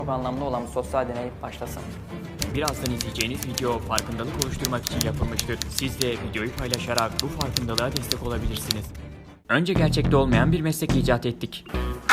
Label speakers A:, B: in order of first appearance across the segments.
A: Çok anlamlı olan bu sosyal deney başlasın.
B: Birazdan izleyeceğiniz video farkındalık oluşturmak için yapılmıştır. Siz de videoyu paylaşarak bu farkındalığa destek olabilirsiniz. Önce gerçekte olmayan bir meslek icat ettik.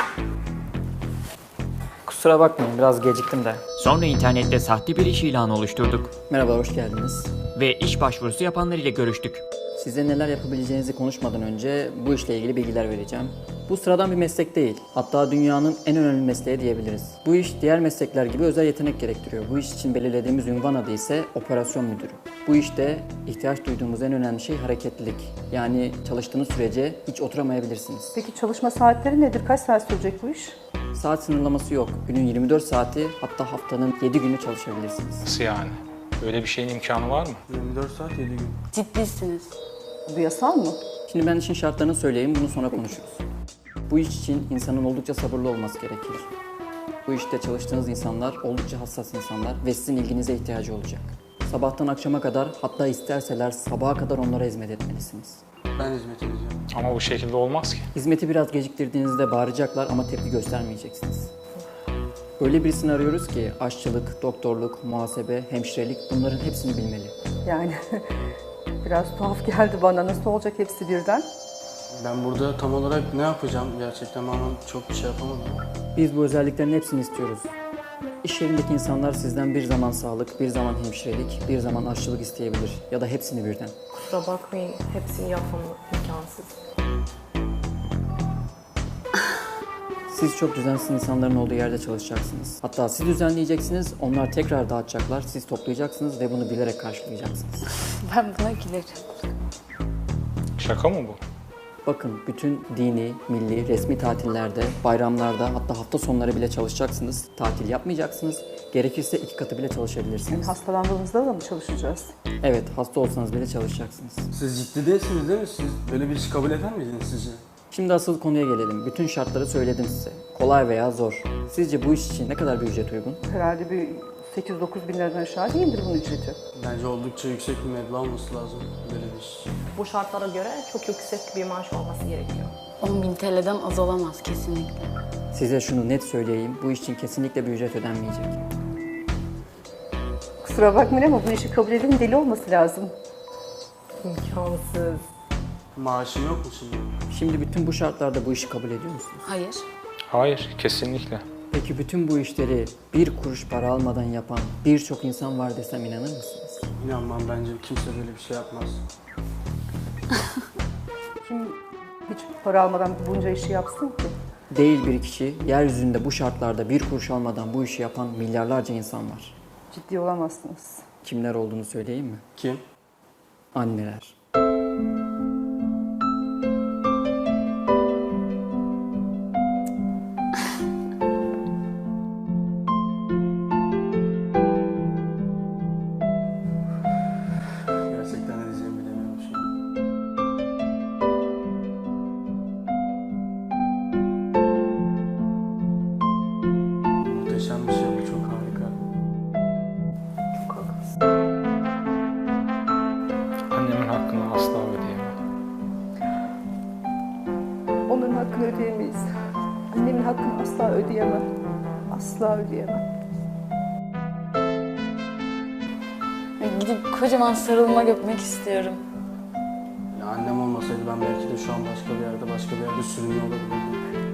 A: Kusura bakmayın, biraz geciktim de.
B: Sonra internette sahte bir iş ilanı oluşturduk
A: Merhaba, hoş geldiniz.
B: ve iş başvurusu yapanlar ile görüştük.
A: Size neler yapabileceğinizi konuşmadan önce bu işle ilgili bilgiler vereceğim. Bu sıradan bir meslek değil. Hatta dünyanın en önemli mesleği diyebiliriz. Bu iş diğer meslekler gibi özel yetenek gerektiriyor. Bu iş için belirlediğimiz ünvan adı ise operasyon müdürü. Bu işte ihtiyaç duyduğumuz en önemli şey hareketlilik. Yani çalıştığınız sürece hiç oturamayabilirsiniz.
C: Peki çalışma saatleri nedir? Kaç saat sürecek bu iş?
A: Saat sınırlaması yok. Günün 24 saati, hatta haftanın 7 günü çalışabilirsiniz.
D: Nasıl yani? Böyle bir şeyin imkanı var mı?
E: 24 saat 7 gün.
F: Ciddisiniz.
C: Bu yasal mı?
A: Şimdi ben işin şartlarını söyleyeyim, bunu sonra konuşuruz. Bu iş için insanın oldukça sabırlı olması gerekir. Bu işte çalıştığınız insanlar oldukça hassas insanlar ve sizin ilginize ihtiyacı olacak. Sabahtan akşama kadar, hatta isterseler sabaha kadar onlara hizmet etmelisiniz.
E: Ben hizmet edeceğim.
D: Ama bu şekilde olmaz ki.
A: Hizmeti biraz geciktirdiğinizde bağıracaklar ama tepki göstermeyeceksiniz. Öyle birisini arıyoruz ki aşçılık, doktorluk, muhasebe, hemşirelik bunların hepsini bilmeli.
C: Yani biraz tuhaf geldi bana. Nasıl olacak hepsi birden?
E: Ben burada tam olarak ne yapacağım gerçekten ama çok bir şey yapamadım.
A: Biz bu özelliklerin hepsini istiyoruz. İş yerindeki insanlar sizden bir zaman sağlık, bir zaman hemşirelik, bir zaman aşçılık isteyebilir ya da hepsini birden.
G: Kusura bakmayın, hepsini yapmam imkansız.
A: Siz çok düzensiz insanların olduğu yerde çalışacaksınız. Hatta siz düzenleyeceksiniz, onlar tekrar dağıtacaklar, siz toplayacaksınız ve bunu bilerek karşılayacaksınız.
F: Ben buna gülerim.
D: Şaka mı bu?
A: Bakın, bütün dini, milli, resmi tatillerde, bayramlarda, hatta hafta sonları bile çalışacaksınız. Tatil yapmayacaksınız. Gerekirse 2 katı bile
C: Yani
A: çalışabilirsiniz.
C: hastalandığımızda da mı çalışacağız?
A: Evet, hasta olsanız bile çalışacaksınız.
E: Siz ciddi değilsiniz değil mi? Siz böyle bir işi kabul eder miydiniz sizce?
A: Şimdi asıl konuya gelelim. Bütün şartları söyledim size. Kolay veya zor. Sizce bu iş için ne kadar bir ücret uygun?
C: Herhalde bir 8-9 bin liradan aşağı değildir bunun ücreti.
E: Bence oldukça yüksek bir meblağ olması lazım böyle bir iş.
G: Bu şartlara göre çok yüksek bir maaş olması gerekiyor.
F: 10.000 TL'den az olamaz kesinlikle.
A: Size şunu net söyleyeyim. Bu iş için kesinlikle bir ücret ödenmeyecek.
C: Kusura bakmayın ama bu işi kabul edenin deli olması lazım.
G: İmkansız.
E: Maaşın yok mu şimdi?
A: Şimdi bütün bu şartlarda bu işi kabul ediyor musunuz?
F: Hayır.
D: Hayır, kesinlikle.
A: Peki bütün bu işleri bir kuruş para almadan yapan birçok insan var desem inanır mısınız?
E: İnanmam, bence kimse böyle bir şey yapmaz.
C: Kim hiç para almadan bunca işi yapsın ki?
A: Değil bir kişi, yeryüzünde bu şartlarda bir kuruş almadan bu işi yapan milyarlarca insan var.
C: Ciddi olamazsınız.
A: Kimler olduğunu söyleyeyim mi?
E: Kim?
A: Anneler.
E: Gerçekten ne diyeceğimi bilemiyorum şu an. Muhteşem bir şey bu, çok harika.
G: Çok haklısın.
D: Annemin hakkını asla ödeyemem.
C: Onların hakkını ödeyemeyiz. Annemin hakkını asla ödeyemem. Asla ödeyemem.
F: Gidip kocaman sarılmak öpmek istiyorum.
E: Ya annem olmasaydı ben belki de şu an başka bir yerde sürünüyor olabilirdim.